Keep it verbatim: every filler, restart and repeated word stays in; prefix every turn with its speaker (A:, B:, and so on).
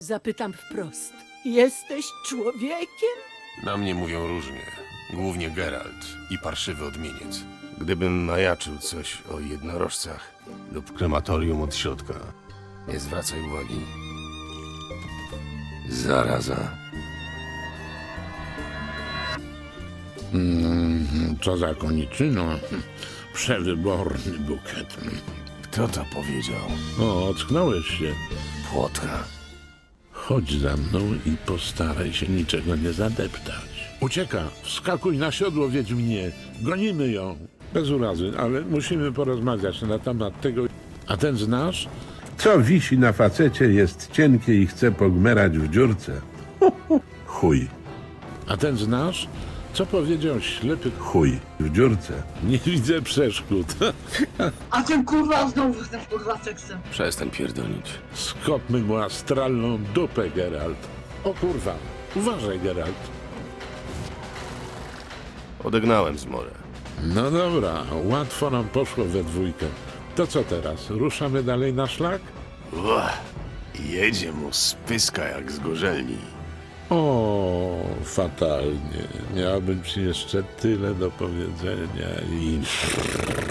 A: Zapytam wprost. Jesteś człowiekiem?
B: Na mnie mówią różnie. Głównie Geralt i parszywy odmieniec.
C: Gdybym majaczył coś o jednorożcach,
B: Lub krematorium od środka.
C: nie zwracaj uwagi. Zaraza.
D: Co za koniczyno. Przewyborny bukiet.
C: Kto to powiedział?
D: O, ocknąłeś się.
C: Płotka.
D: Chodź za mną i postaraj się niczego nie zadeptać. Ucieka. Wskakuj na siodło, Wiedźminie. Gonimy ją. Bez urazy, ale musimy porozmawiać na temat tego. A ten znasz?
E: Co wisi na facecie, jest cienkie i chce pogmerać w dziurce. Chuj,
D: A ten znasz? Co powiedział ślepy
E: chuj, w dziurce.
D: Nie widzę przeszkód.
F: A ten kurwa znowu ten kurwa seksem.
C: Przestań pierdolić.
D: Skopmy mu astralną dupę, Geralt. O kurwa. Uważaj, Geralt.
C: Odegnałem zmorę.
D: No dobra, łatwo nam poszło we dwójkę. To co teraz? Ruszamy dalej na szlak?
C: Uah, jedzie mu z pyska jak z gorzelni.
D: O, fatalnie. Miałbym ci jeszcze tyle do powiedzenia i...